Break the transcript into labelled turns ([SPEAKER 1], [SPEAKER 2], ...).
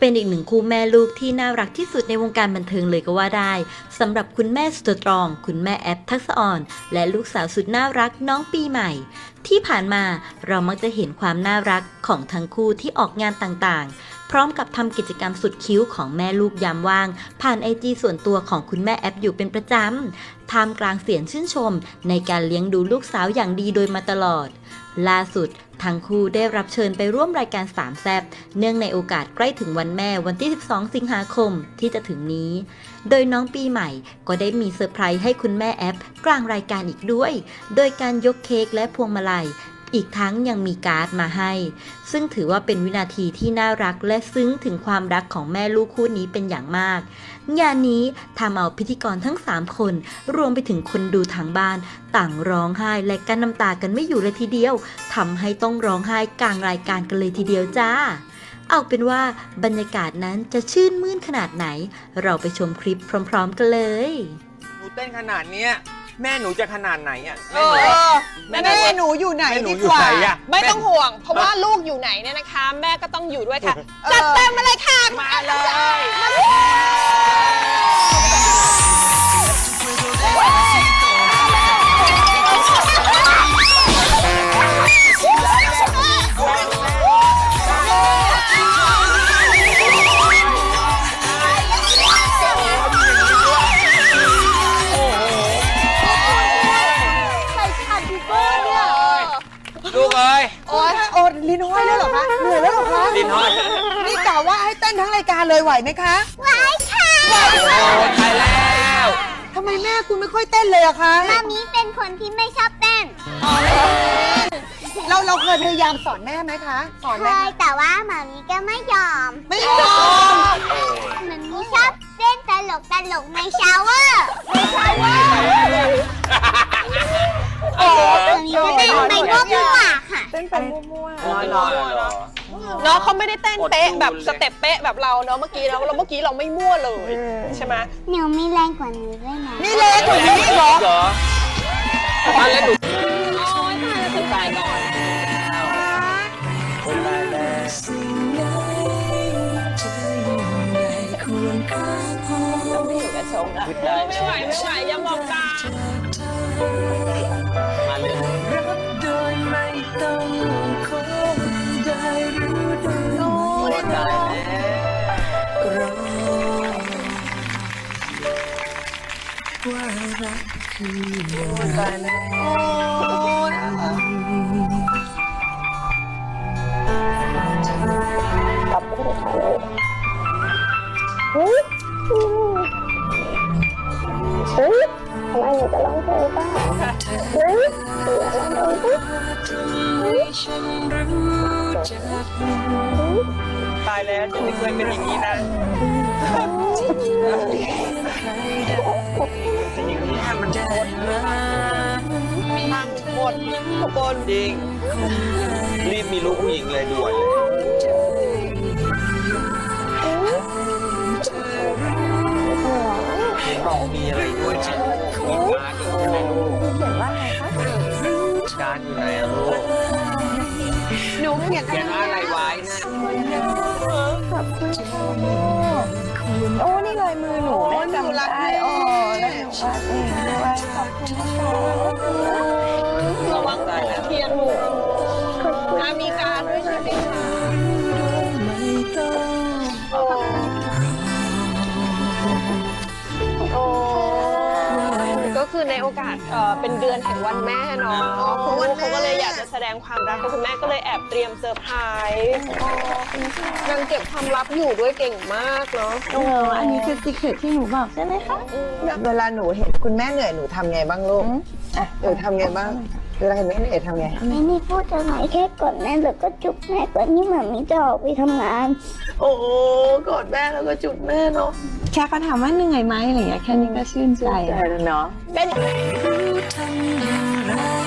[SPEAKER 1] เป็นอีกหนึ่งคู่แม่ลูกที่น่ารักที่สุดในวงการบันเทิงเลยก็ว่าได้สำหรับคุณแม่สตรองคุณแม่แอปทักษะอ่อนและลูกสาวสุดน่ารักน้องปีใหม่ที่ผ่านมาเรามักจะเห็นความน่ารักของทั้งคู่ที่ออกงานต่างๆพร้อมกับทำกิจกรรมสุดคิ้วของแม่ลูกยามว่างผ่านIGส่วนตัวของคุณแม่แอปอยู่เป็นประจำท่ามกลางเสียงชื่นชมในการเลี้ยงดูลูกสาวอย่างดีโดยมาตลอดล่าสุดทั้งคู่ได้รับเชิญไปร่วมรายการสามแซ่บเนื่องในโอกาสใกล้ถึงวันแม่วันที่ 12 สิงหาคมที่จะถึงนี้ โดยน้องปีใหม่ก็ได้มีเซอร์ไพรส์ให้คุณแม่แอปกลางรายการอีกด้วย โดยการยกเค้กและพวงมาลัยอีกทั้งยังมีการ์ดมาให้ซึ่งถือว่าเป็นวินาทีที่น่ารักและซึ้งถึงความรักของแม่ลูกคู่นี้เป็นอย่างมากงานนี้ทำเอาพิธีกรทั้ง3คนรวมไปถึงคนดูทางบ้านต่างร้องไห้และกั้นน้ำตากันไม่อยู่เลยทีเดียวทำให้ต้องร้องไห้กลางรายการกันเลยทีเดียวจ้าเอาเป็นว่าบรรยากาศนั้นจะชื่นมื่นขนาดไหนเราไปชมคลิปพร้อมๆกันเลย
[SPEAKER 2] หนูเต้นขนาดเนี้ยแม่หนูจะขนาดไหนอ่ะ
[SPEAKER 3] แม่หนูอยู่ไหนดีกว่าไม่ต้องห่วงเพราะว่าลูกอยู่ไหนเนี่ยนะคะแม่ก็ต้องอยู่ด้วยค่ะจัดเต็มมาเลยค่ะมาเลย
[SPEAKER 2] ลูกเอ้ย
[SPEAKER 3] โอ้ลิ้นห้อยแล้วเหรอคะเหนื่อยแล้วเหรอคะ
[SPEAKER 2] ลิ้นห้อย
[SPEAKER 3] นี่กะว่าให้เต้นทั้งรายการเลยไหวไหมคะ
[SPEAKER 4] ไหวค่ะ
[SPEAKER 2] โอ้ตายแล้ว
[SPEAKER 3] ทำไมแม่คุณไม่ค่อยเต้นเลยอะคะ
[SPEAKER 4] มามีเป็นคนที่ไม่ชอบเต้น
[SPEAKER 3] เราเคยพยายามสอนแม่ไหมคะสอน
[SPEAKER 4] เคยแต่ว่ามามีก็ไม่ยอม
[SPEAKER 3] มา
[SPEAKER 4] มีชอบเต้นตลกในชาวเวอร์มามีจะเต้นไปมั่วๆค่ะ
[SPEAKER 3] เต้นไปมั่ว
[SPEAKER 2] ๆ
[SPEAKER 3] น้องเขาไม่ได้เต้นเป๊ะแบบสเต็ปเป๊ะแบบเราเนาะเมื่อกี้เราไม่มั่วเลยใช่ไหม
[SPEAKER 4] หนูมีแรงกว่านี้ด้วยนะ
[SPEAKER 3] นี่เล็กกว่านี้เหรอ
[SPEAKER 2] มาแล้วหนู
[SPEAKER 3] ขึ้นไปก่อนไม่ไหวอย่ามองตา
[SPEAKER 2] มาเลยโดยไม่ต้องขอได้รู้ได้ตายแล้วว่ารักคือตายแล้ว
[SPEAKER 4] กลับไปเลยเฮ้ยทำไมหนูจะร้องเพลงบ้างเฮ้ยเสือร้องเพลง
[SPEAKER 2] ตายแล้วจะไม่เคยเป็นอย่างนี้นะอย่างนี้มันหมดทุกคนจริงรีบมีลูกผู้หญิงเลยด่วนเลยเห็นบอกมีอะไรด้วยนะมีการ์ดอยู่ใช่ไหมลูกเขียนว่าไงคะการ์ดอยู่ไหนอะลูก
[SPEAKER 3] หนูเขียน
[SPEAKER 2] อะไรไว้นะ
[SPEAKER 4] ขอบคุณ
[SPEAKER 3] โอ้นี่ลายมือหนูแม่จำได้อ๋อแล้วหนูวาดเองด้วยขอบคุณนะคะระวังเทียนหนูมีการด้วยใช่ไหมคะก็คือในโอกาสเป็นเดือนแห่งวันแม่เนาะคุณลูกเขาก็เลยอยากจะแสดงความรักคุณแม่ก็เลยแอบเตรียมเซอร์ไพรส์นางเก็บความลับอยู่ด้วยเก่งมากเนาะ
[SPEAKER 5] อันนี้คือซีเคร็ตที่หนูบอกใช่ไหมคะ
[SPEAKER 3] เวลาหนูเห็นคุณแม่เหนื่อยหนูทำไงบ้างลูกหนูทำไงบ้างเวลาเห็นแม่เหนื่อยทำไง
[SPEAKER 4] ไม่มีพูดอะไรแค่กดแม่แล้วก็จุ๊บแม่ก่อนที่หมามีจะออกไปทำงาน
[SPEAKER 3] โอ้กอดแม่แล้วก็จุ๊บแม่เนาะ
[SPEAKER 5] แค่เขาถามว่าเหนื่อยไหมอะไรอย่างเงี้ยแค่นี้ก็ชื่นใจ
[SPEAKER 3] แล้วเนาะเป็น